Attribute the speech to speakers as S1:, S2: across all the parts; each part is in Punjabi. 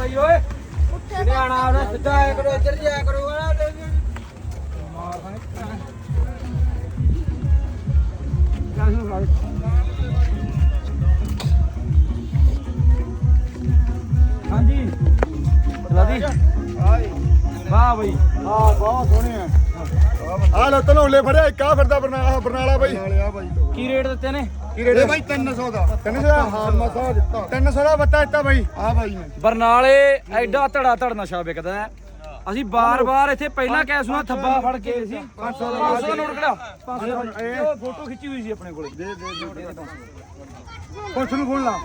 S1: भाई ओए इधर आना आना सीधा आया करो इधर जाया करो ना मार हाँ जी चला दी वाह भाई
S2: हाँ बहुत सोहने हैं ਆ ਲੋ ਧਨੌਲੇ ਫੜਿਆ ਇੱਕ ਆ ਫਿਰਦਾ ਬਰਨਾਲਾ ਬਾਈ
S1: की रेट देते ने
S2: ਕੀ ਰੇਟ ਬਾਈ 300 ਦਾ 300 ਦਾ ਹਾਂ ਮਸਾ ਦਿੱਤਾ 300 ਦਾ ਬੱਤਾ ਦਿੱਤਾ ਬਾਈ ਆ ਬਾਈ ਨੇ
S1: ਬਰਨਾਲੇ ਐਡਾ ਧੜਾ ਧੜ ਨਸ਼ਾ ਵਿਕਦਾ ਹੈ ਅਸੀਂ ਬਾਰ-ਬਾਰ ਇੱਥੇ ਪਹਿਲਾਂ ਕੈਸੂਆ ਥੱਬਾ ਫੜ ਕੇ ਸੀ 500 ਦਾ ਨੋਟ ਕਢਾ 500 ਦਾ ਇਹ ਫੋਟੋ ਖਿੱਚੀ ਹੋਈ ਸੀ ਆਪਣੇ ਕੋਲੇ ਦੇ
S2: ਪੁੱਛ ਨੂੰ ਫੋਨ ਲਾ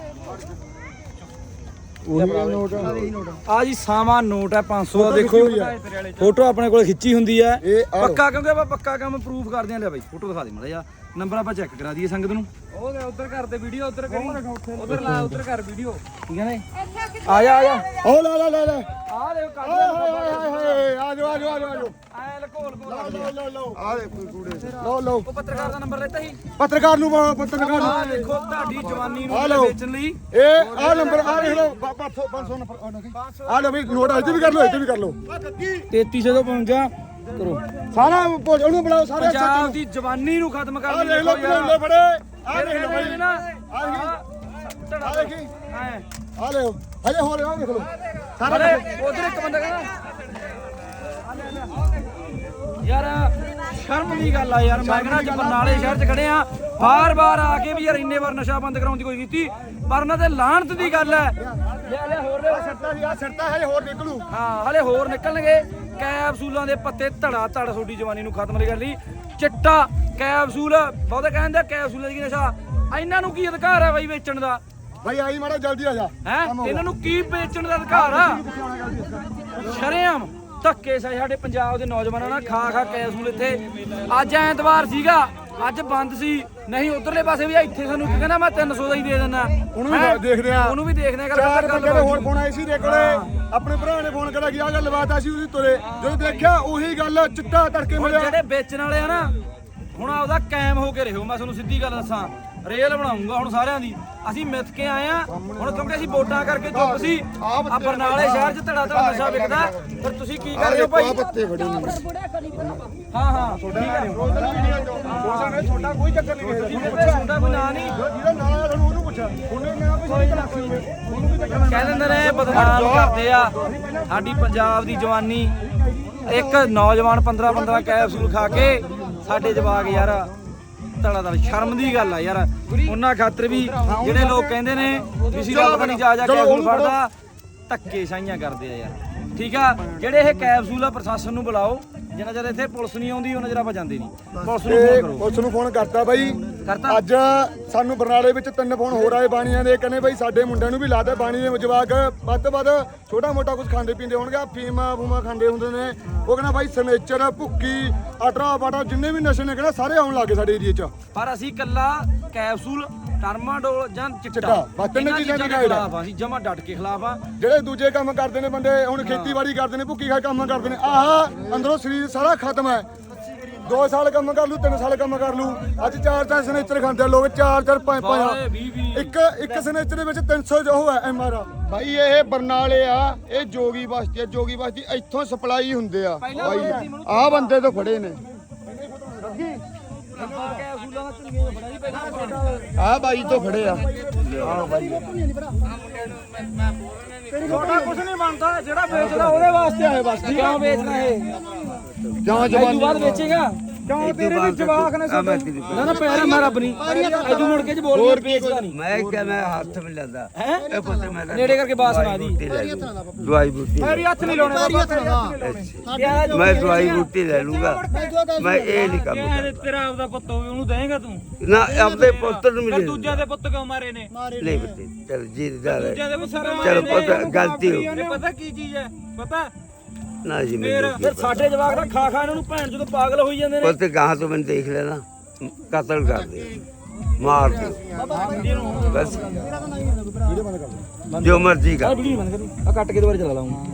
S1: ਆ ਜੀ ਸਾਵਾ ਨੋਟ ਹੈ 500 ਦਾ ਦੇਖੋ ਫੋਟੋ ਆਪਣੇ ਕੋਲ ਖਿੱਚੀ ਹੁੰਦੀ ਹੈ ਪੱਕਾ ਕਿਉਂਕਿ ਆਪਾਂ ਪੱਕਾ ਕੰਮ ਪ੍ਰੂਫ ਕਰਦੇ ਆਂ ਲੈ ਬਾਈ ਫੋਟੋ ਦਿਖਾ ਦੇ ਮਾੜਾ ਜਿਹਾ ਨੰਬਰ ਆਪਾਂ ਚੈੱਕ ਕਰਾ ਦਈਏ ਸੰਗਤ ਨੂੰ ਉਹ ਉਧਰ ਕਰ ਦੇ ਵੀਡੀਓ ਉਧਰ ਕਰੀ ਉਧਰ ਲਾ ਉਧਰ ਕਰ ਵੀਡੀਓ ਠੀਕ ਹੈ ਨੇ ਆ ਜਾ
S2: ਉਹ ਲੈ ਲੈ ਲੈ ਲੈ
S1: ਆ ਦੇ ਕੱਢ
S2: ਹਾਏ ਆ ਜਾ ਆ ਜਾ ਆ ਜਾ
S1: ਐ ਲਕੋਲ
S2: ਲਓ ਆ ਦੇ ਕੂੜੇ ਲਓ
S1: ਉਹ ਪੱਤਰਕਾਰ ਦਾ ਨੰਬਰ ਲੈਤਾ ਸੀ
S2: ਪੱਤਰਕਾਰ ਨੂੰ ਪੱਤਰਕਾਰ
S1: ਆ ਦੇਖੋ ਤੁਹਾਡੀ ਜਵਾਨੀ ਨੂੰ ਵੇਚਣ ਲਈ
S2: ਇਹ ਆ ਨੰਬਰ ਆ ਦੇਖ ਲਓ 500 ਨੰਬਰ ਆ ਲਓ ਵੀ ਨੋਟ ਇੱਥੇ ਵੀ ਕਰ ਲਓ ਇੱਥੇ ਵੀ ਕਰ ਲਓ
S1: 3355 ਕਰੋ
S2: ਸਾਰਾ ਉਹਨੂੰ ਬੁਲਾਓ ਸਾਰੇ
S1: ਪੰਜਾਬ ਦੀ ਜਵਾਨੀ ਨੂੰ ਖਤਮ ਕਰ
S2: ਆ ਦੇਖ ਲਓ ਕਿੰਨੇ ਫੜੇ ਆ ਦੇਖ ਲਓ ਬਾਈ
S1: ਨਾ
S2: ਆ ਦੇਖੀ ਆ ਲਿਓ ਹਜੇ ਹੋਰ ਆ ਦੇਖ ਲਓ
S1: ਸਾਰਾ ਉਧਰ ਇੱਕ ਬੰਦਾ ਕਹਿੰਦਾ ਯਾਰ ਸ਼ਰਮ ਦੀ ਗੱਲ ਆ ਯਾਰ ਮੈਂ ਕਹਿੰਦਾ ਅੱਜ ਬਰਨਾਲੇ ਸ਼ਹਿਰ 'ਚ ਖੜੇ ਆ ਬਾਰ-ਬਾਰ ਆ ਕੇ ਵੀ ਯਾਰ ਇੰਨੇ ਵਾਰ ਨਸ਼ਾ ਬੰਦ ਕਰਾਉਣ ਦੀ ਕੋਈ ਕੀਤੀ ਪਰ ਉਹਨਾਂ ਤੇ ਲਾਹਨਤ ਦੀ ਗੱਲ ਹੈ ਲੈ ਹੋਰ ਲੈ
S2: ਛੱਡਦਾ ਸੀ ਆ ਛੱਡਦਾ ਹਜੇ ਹੋਰ ਨਿਕਲੂ
S1: ਹਾਂ ਹਲੇ ਹੋਰ ਨਿਕਲਣਗੇ ਕੈਪਸੂਲਾਂ ਦੇ ਪੱਤੇ ਧੜਾ ਧੜ ਤੁਹਾਡੀ ਜਵਾਨੀ ਨੂੰ ਖਤਮ ਕਰ ਲਈ ਚਿੱਟਾ ਕੈਪਸੂਲ ਬਹੁਤੇ ਕਹਿੰਦੇ ਕੈਪਸੂਲਾਂ ਦੀ ਨਸ਼ਾ ਇਹਨਾਂ ਨੂੰ ਕੀ ਅਧਿਕਾਰ ਹੈ ਬਾਈ ਵੇਚਣ ਦਾ
S2: ਭਾਈ ਆਈ ਮਾੜਾ ਜਲਦੀ ਆ ਜਾ
S1: ਹੈ ਇਹਨਾਂ ਨੂੰ ਕੀ ਵੇਚਣ ਦਾ ਅਧਿਕਾਰ ਆ ਸ਼ਰੇਆਮ ਧੱਕੇ ਸਾਡੇ ਪੰਜਾਬ ਦੇ ਨੌਜਵਾਨਾਂ ਨਾਲ ਖਾ ਖਾ ਕੈਪਸੂਲ ਇੱਥੇ ਅੱਜ ਐਤਵਾਰ ਸੀਗਾ ਅੱਜ ਬੰਦ ਸੀ ਨਹੀਂ ਉਧਰਲੇ ਪਾਸੇ ਵੀ ਇੱਥੇ ਸਾਨੂੰ ਕਹਿੰਦਾ ਮੈਂ 300 ਦਾ ਹੀ ਦੇ ਦਿੰਦਾ
S2: ਉਹਨੂੰ ਵੀ ਦੇਖਦੇ ਆ
S1: ਉਹਨੂੰ ਵੀ ਦੇਖਦੇ ਆ
S2: ਚਾਰ ਬੰਦੇ ਦੇ ਹੋਰ ਫੋਨ ਆਏ ਸੀ ਦੇ ਕੋਲੇ ਆਪਣੇ ਭਰਾ ਨੇ ਫੋਨ ਕਰਿਆ ਕਿ ਆ ਗੱਲ ਬਾਤ ਆ ਸੀ ਉਹਦੀ ਤੁਰੇ ਜਦੋਂ ਦੇਖਿਆ ਉਹੀ ਗੱਲ ਚਿੱਟਾ ਤੜਕੇ ਮਿਲਿਆ
S1: ਜਿਹੜੇ ਵੇਚਣ ਵਾਲੇ ਆ ਨਾ ਹੁਣ ਆਪਦਾ ਕਾਇਮ ਹੋ ਕੇ ਰਹੋ ਮੈਂ ਤੁਹਾਨੂੰ ਸਿੱਧੀ ਗੱਲ ਦੱਸਾਂ ਰੇਲ ਬਣਾਉਂਗਾ ਹੁਣ ਸਾਰਿਆਂ ਦੀ ਅਸੀਂ ਮਿੱਥ ਕੇ ਆਏ ਆ ਹੁਣ ਕਿਉਂਕਿ ਅਸੀਂ ਵੋਟਾਂ ਕਰਕੇ ਚੁੱਪ ਸੀ ਆ ਬਰਨਾਲੇ ਸ਼ਹਿਰ 'ਚ ਧੜਾ ਧੜਾ ਨਸ਼ਾ ਵਿਕਦਾ ਫਿਰ ਤੁਸੀਂ ਕੀ ਕਰਦੇ ਹੋ ਭਾਈ
S2: ਪੱਤੇ ਫੜੇ ਨੇ
S1: ਹਾਂ ਠੀਕ ਹੈ
S2: ਛੋਟਾ ਕੋਈ ਚੱਕਰ ਨਹੀਂ
S1: ਛੋਟਾ ਕੋਈ ਨਾਂ ਨਹੀਂ
S2: ਜਿਹਦਾ ਨਾਂ ਆ ਤੁਹਾਨੂੰ ਉਹਨੂੰ ਪੁੱਛਿਆ ਉਹਨੇ ਮੈਂ ਵੀ ਉਹਨੂੰ ਵੀ ਚੱਕਰ
S1: ਕਹਿ ਦਿੰਦੇ ਨੇ ਬਦਨਾਮ ਕਰਦੇ ਆ ਸਾਡੀ ਪੰਜਾਬ ਦੀ ਜਵਾਨੀ ਇੱਕ ਨੌਜਵਾਨ 15 ਕੈਪਸੂਲ ਖਾ ਕੇ ਸਾਡੇ ਜਵਾਕ ਯਾਰ ਧੜਾ ਧੜ ਸ਼ਰਮ ਦੀ ਗੱਲ ਆ ਯਾਰ ਉਹਨਾਂ ਖਾਤਰ ਵੀ ਜਿਹੜੇ ਲੋਕ ਕਹਿੰਦੇ ਨੇ ਵੀ ਸੀ ਰੱਬ ਨਹੀਂ ਜਾ ਕੈਪਸੂਲ ਫੜਦਾ ਧੱਕੇ ਸਾਈਆਂ ਕਰਦੇ ਆ ਯਾਰ ਠੀਕ ਆ ਜਿਹੜੇ ਇਹ ਕੈਪਸੂਲ ਆ ਪ੍ਰਸ਼ਾਸਨ ਨੂੰ ਬੁਲਾਓ ਜਿੰਨਾ ਚਿਰ ਇੱਥੇ ਪੁਲਿਸ ਨਹੀਂ ਆਉਂਦੀ ਉਹਨਾਂ ਚਿਰ ਆਪਾਂ ਜਾਂਦੇ ਨਹੀਂ ਪੁਲਿਸ ਨੂੰ ਫੋਨ ਕਰੋ
S2: ਪੁਲਿਸ ਨੂੰ ਫੋਨ ਕਰਤਾ ਬਾਈ
S1: ਕਰਤਾ
S2: ਅੱਜ ਸਾਨੂੰ ਬਰਨਾਲੇ ਵਿੱਚ 3 ਫੋਨ ਹੋਰ ਆਏ ਬਾਣੀਆਂ ਦੇ ਕਹਿੰਦੇ ਬਾਈ ਸਾਡੇ ਮੁੰਡਿਆਂ ਨੂੰ ਵੀ ਲਾਦਾ ਬਾਣੀ ਦੇ ਜਵਾਕ ਵੱਧ ਤੋਂ ਵੱਧ ਛੋਟਾ ਮੋਟਾ ਕੁਝ ਖਾਂਦੇ ਪੀਂਦੇ ਹੋਣਗੇ ਫੀਮਾ ਫੂਮਾ ਖਾਂਦੇ ਹੁੰਦੇ ਨੇ ਉਹ ਕਹਿੰਦਾ ਬਾਈ ਸਨੇਚਰ ਭੁੱਕੀ ਅਟਰਾ ਬਾਟਾ ਜਿੰਨੇ ਵੀ ਨਸ਼ੇ ਨੇ ਕਹਿੰਦਾ ਸਾਰੇ ਆਉਣ ਲੱਗੇ ਸਾਡੇ ਏਰੀਏ 'ਚ
S1: ਪਰ ਅਸੀਂ ਕੱਲਾ ਕੈਪਸੂਲ ਟਰਮਾਡੋਲ ਜਾਂ ਚਿੱਟਾ
S2: ਬਸ ਤਿੰਨ ਚੀਜ਼ਾਂ ਦੇ ਖਿਲਾਫ
S1: ਆ ਅਸੀਂ ਜਮਾ ਡਟ ਕੇ ਖਿਲਾਫ ਆ
S2: ਜਿਹੜੇ ਦੂਜੇ ਕੰਮ ਕਰਦੇ ਨੇ ਬੰਦੇ ਹੁਣ ਖੇਤੀਬਾੜੀ ਕਰਦੇ ਨੇ ਭੁੱਕੀ ਖਾ ਕੰਮ ਕਰਦੇ ਨੇ ਆਹ ਅੰਦਰੋਂ ਸਰੀਰ ਸਾਰਾ ਖਤਮ ਹੈ 2 ਸਾਲ ਕੰਮ ਕਰ ਲੂ 3 ਸਾਲ ਕੰਮ ਕਰ ਲੂ ਅੱਜ 4 ਸਨੇਚਰ ਖਾਂਦੇ ਲੋਕ 4 5 ਇੱਕ ਸਨੇਚਰ ਦੇ ਵਿੱਚ 300 ਜੋ ਹੈ ਐਮਆਰ ਭਾਈ ਇਹ ਬਰਨਾਲੇ ਆ ਇਹ ਜੋਗੀ ਬਸਤੀ ਇੱਥੋਂ ਸਪਲਾਈ ਹੁੰਦੇ ਆ ਭਾਈ ਆਹ ਬੰਦੇ ਤੋਂ ਫੜੇ ਨੇ ਆ ਬਾਈ ਤੋਂ ਫੜੇ ਆ ਆ ਬਾਈ
S1: ਛੋਟਾ ਕੁਝ ਨਹੀਂ ਬਣਦਾ ਜਿਹੜਾ ਵੇਚਦਾ ਉਹਦੇ ਵਾਸਤੇ ਆਏ ਬਸ ਕਿਉਂ ਵੇਚਣਾ ਇਹ
S2: ਜਾਂ ਜਵਾਨੀ
S1: ਬਾਅਦ ਵੇਚੇਗਾ ਕਿਉਂ ਤੇਰੇ ਵੀ ਜਵਾਕ ਨੇ ਨਾ ਨਾ ਪੈਰ ਮੈਂ ਰੱਬ ਨਹੀਂ ਐਦੂ ਮੁੜ ਕੇ ਚ ਬੋਲ ਹੋਰ ਵੇਚਦਾ ਨਹੀਂ
S3: ਮੈਂ ਕਿਹਾ ਮੈਂ ਹੱਥ ਮਿਲ ਲੈਂਦਾ
S1: ਹੈ
S3: ਇਹ ਪੁੱਤ ਮੈਂ
S1: ਨੇੜੇ ਕਰਕੇ ਬਾਤ ਸੁਣਾ ਦੀ
S3: ਦਵਾਈ ਬੂਟੀ
S1: ਪੈਰੀ ਹੱਥ ਨਹੀਂ ਲਾਉਣੇ
S3: ਮੈਂ ਦਵਾਈ ਬੂਟੀ ਲੈ ਲੂੰਗਾ ਮੈਂ ਇਹ ਨਹੀਂ ਕੰਮ
S1: ਤੇਰਾ ਆਪਦਾ ਪੁੱਤ ਹੋਵੇ ਉਹਨੂੰ ਦੇਂਗਾ ਤੂੰ
S3: ਨਾ ਆਪਣੇ ਪੁੱਤਰ ਨੂੰ ਮਿਲੇ
S1: ਦੂਜਿਆਂ ਦੇ ਪੁੱਤ ਕਿਉਂ ਮਾਰੇ ਨੇ
S3: ਨਹੀਂ ਬੱਤੇ ਚਲ ਜੀ ਜਾ
S1: ਦੂਜਿਆਂ ਦੇ ਪੁੱਤ ਸਾਰੇ
S3: ਚਲ ਪੁੱਤ ਗਲਤੀ ਹੋ ਗਈ
S1: ਪਤਾ ਕੀ ਚੀਜ਼ ਹੈ ਪਤਾ
S3: ਨਾ ਜੀ
S1: ਫਿਰ ਸਾਡੇ ਜਵਾਕ ਦਾ ਖਾ ਖਾ ਇਹਨਾਂ ਨੂੰ ਭੈਣ ਜਦੋਂ ਪਾਗਲ ਹੋਈ ਜਾਂਦੇ ਨੇ
S3: ਪੁੱਤ ਗਾਂ ਤੋਂ ਮੈਨੂੰ ਦੇਖ ਲੈਣਾ ਕਤਲ ਕਰ ਦੇ ਮਾਰ ਦੇ ਬਸ ਜੋ ਮਰਜ਼ੀ ਕਰ
S1: ਵੀਡੀਓ ਬੰਦ ਕਰੀ ਆ ਕੱਟ ਕੇ ਦੁਬਾਰਾ ਚਲਾ ਲਾਉਂਗਾ